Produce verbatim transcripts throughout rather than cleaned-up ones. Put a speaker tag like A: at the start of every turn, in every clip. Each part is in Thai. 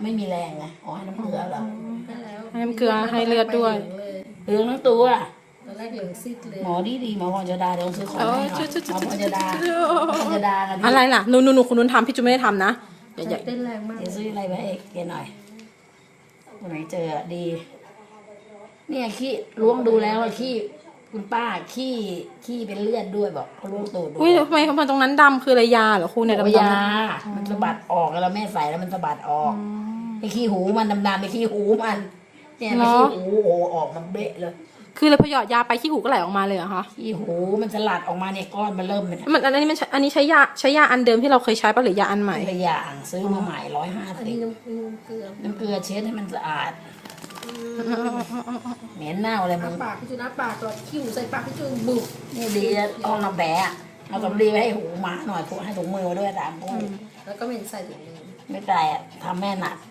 A: ไม่มีแรงไงอ๋อให้น้ำเกลือเหรอ
B: ให้แล้ว
C: ให้น้ำเกลือให้เลือดด้วย
A: เหลืองทั้งตัว
B: ตอนแรกเหลืองซีดเลย
A: หมอดีดีหมอพรจะดาเดี๋ยวซื้อของ
C: เอ
A: ให้
C: อ
A: หน่อย
C: ชุดชุด
A: หม
C: ชุ
A: อ
C: ด
A: พร
C: ชุ
A: จะ
C: ด
A: ดาหมอพรจะดากัน
C: อะไรล่ะหนูหนูหนูคุณนุ้นทำพี่จูไม่ได้ทำนะอย่าอย่า
B: เต้นแรงมาก
A: เดี๋ยวซื้ออะไรไปให้แกหน่อยวันไหนเจอดี เนี่ยขี้ล้วงดูแล้วขี้คุณป้าขี้ขี้เป็นเลือดด้วยบอกเขาล้วงตูดดู
C: อุ้ยทำไมทำไมตรงนั้นดำคืออะไรยาเหรอครูเนี่ย
A: บอก
C: ดำ
A: ว่า
C: ดำ
A: ยามันสะบัดออกแล้วแม่ใส่แล้วมันสะบัดออกไอ้ขี้หูมันดำๆไอ้ขี้หูมันเนี่ยไอ้ขี้หูโอ้ออกมันเบะเลย
C: คือเลยพอหยอดยาไปขี้หูก็ไหลออกมาเลยเหรอคะ
A: ขี้หูมันสลัดออกมาเนี่ยก้อนมันเริ่มเป็น
C: มันอันนี้มันใช้อันนี้ใช้ยาใช้ยาอันเดิมที่เราเคยใช้ปะหรือยาอันใหม่
A: ตัวอย่างซื้อมาใหม่ร้อยห้า
B: อัน
A: สิ
B: นี้
A: บ
B: น้ำน้ำเกลือ
A: น้ำเกลือเช็ดให้มันสะอาดเหม็นเน่าเลยมึง
B: น้ำปากพี่จูน้ำปากก่อนขี้หูใส่ปากพี่จูบุก
A: นี่ดีจะเอาน้ำแบะเอาสำลีไปให้หูหมาหน่อยพวกให้ถุงมือมาด้วยตามพวก
B: แล้วก็ไม่เห็นใส่ถุงมือ
A: ไม่ใจอ่ะทำแม่หนัก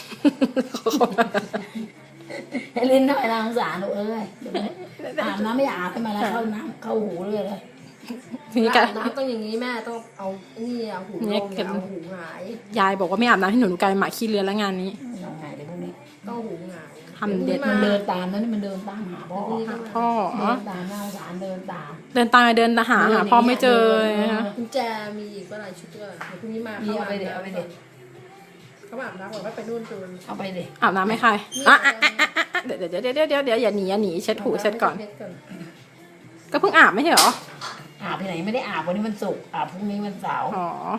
A: ให้ลิ้นหน่อยนะสงสารหนูเอ้ยเดี๋ยวอาบน้ำไม่อาบให้มาแล้วเข้าน้ำเข้าหูเลยเลย
C: ทีนี้กั
B: อาบน้ำต้องอย่างนี้แม่ต้องเอานี่เอาหูลงอย่าเอาหูหงาย
C: ยายบอกว่าไม่อาบน้ำให้หนูหนูกลายเป็นหมาขี้เลือนแล้วงานนี้
A: เอาไงเดี๋ยวพวกนี้
B: ต้องหูหงาย
C: ทำเด็ด
A: มันเดินตามนะนี่มันเดินตามหาพ่อ
C: พ่อ
A: เดินตามน่าสงสารเดินตาม
C: เดินตามเดินหาหาพ่อไม่เจอนะคะ
B: กุญแจมีอีกเมื่อไหร่ชุดเดียวเดี๋ยวพรุ่งนี้มา
A: นี่เอาไปเด็เอาไปเด็
B: เขาอาบน้ำบอกว่าไปนู่นตูน
A: เอาไปเด็
C: อาบน้ำให้ใครอ่ะอ่ะอ่ะอ่ะอ่ะเดี๋ยวเดี๋ยวเดี๋ยวเดี๋ยวเดี๋ยวเดี๋ยวอย่าหนีอย่าหนีเช็ดหูเช็ดก่อน ก็เพิ่งอาบไม่ใช่เหรอ
A: อาบที่ไหนไม่ได้อาบวันนี้มันศุกร์อาบพรุ่งนี้มันเสาร์
C: อ๋อ